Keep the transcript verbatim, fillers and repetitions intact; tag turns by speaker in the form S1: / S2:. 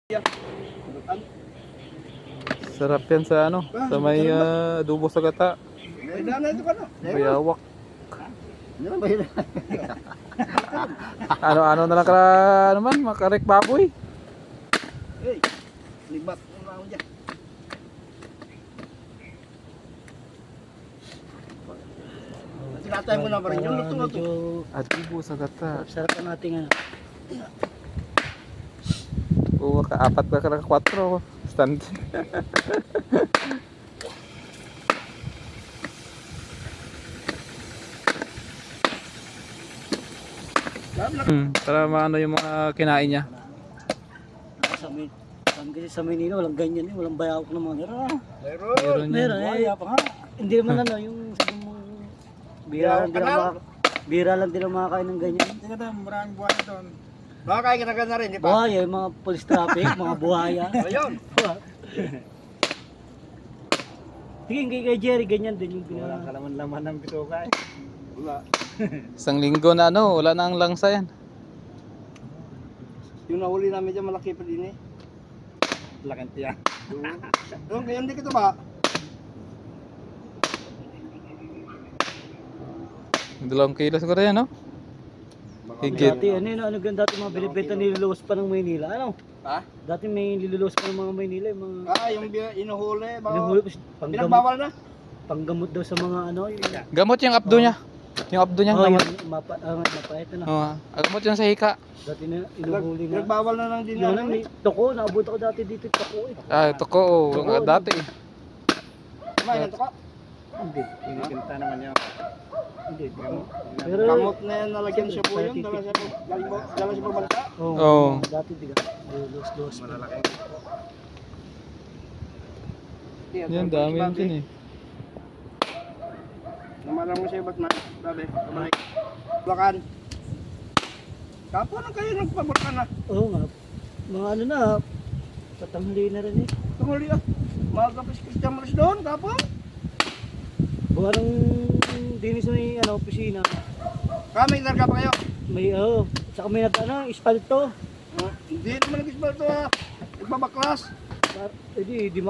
S1: Sarap yan sa ano, sa may uh, adobo sa gata. Bayawak. Ano-ano na lang ka naman, makarek baboy.
S2: Hey, libat mo na ako dyan. Tinatay mo na pa rin yung luto-luto.
S1: Adobo sa gata.
S3: Sarap ang ating ano.
S1: Oo, kaapat ba ka na kwatro. Stand. Hmm, para maano yung mga kinain niya.
S3: Sa Min, kasi sa Manila walang ganyan eh, walang bayawak ng mga nira.
S2: Meron.
S1: Meron yan.
S3: Meron eh, pa nga. Hindi naman ano yung sabi mo bira lang din ang mga bira lang din ang makakain ng ganyan.
S2: Hindi ka tayo, maraming buhay doon. Baka kaya ka na rin, di ba?
S3: Buhaya, yung mga police traffic, mga buhaya.
S2: Ayun.
S3: Tingin kay kay Jerry, ganyan din yung pinaka.
S2: Walang kalaman-laman ng bituka eh. Wala.
S1: Isang linggo na ano, wala na ang langsa yan.
S2: Yung nahuli namin dyan, malaki pa din eh.
S3: Lakang tiyan.
S2: Yung kaya hindi kita ba?
S1: Dalawang kilo siguro yan, no? Higit.
S3: Dati ano yun, ano ganda dati mga binibenta niluluwas pa ng Maynila, ano?
S2: Ha?
S3: Dati may niluluwas pa ng mga Maynila, yung mga
S2: Ah, yung bi- inuhuli. Baka...
S3: inuhuli pa panggamot,
S2: Pinagbawal na?
S3: panggamot daw sa mga ano, yung
S1: Gamot yung abdo niya. Yung abdo niya,
S3: oh,
S1: gamot.
S3: yung mapa, ah, mapait na.
S1: Oo, ah, gamot yan sa hika.
S3: Dati na inuhuli na.
S2: Pinagbawal na ng din
S3: Yung ano,
S2: yan.
S3: may toko, naabot ako dati dito yung toko eh.
S1: Ah, ito ko, oh,
S3: Oo,
S1: dati eh.
S2: Kumain ito ka?
S3: Hindi.
S2: Kinikita naman yan.
S3: Hindi. Pero,
S2: Kamot na yan, nalagyan siya po yun. Dala siya po, galing mo- dala siya po bansa.
S3: oh,
S1: Oo.
S3: dati diga. Lulos-lulos.
S2: Malalaki.
S1: Yan, dami yan dyan eh.
S2: Namalang mo siya, ba't na? Sabi, kamay. Bulakan. Kapo na kayo nagpabulakan na.
S3: Oo nga. Mga ano na, tatanghali na rin eh.
S2: Tumuli ah. Mga kapis Christian Maris doon, kapo.
S3: Buwan ng dinis na yung ano, opisina.
S2: Kami, narga pa kayo.
S3: May, oh, saka may nag, ano, ispalto.
S2: Hmm, Hindi naman nag-isbal ito ah. Igbabaklas.
S3: Par- Eh di, di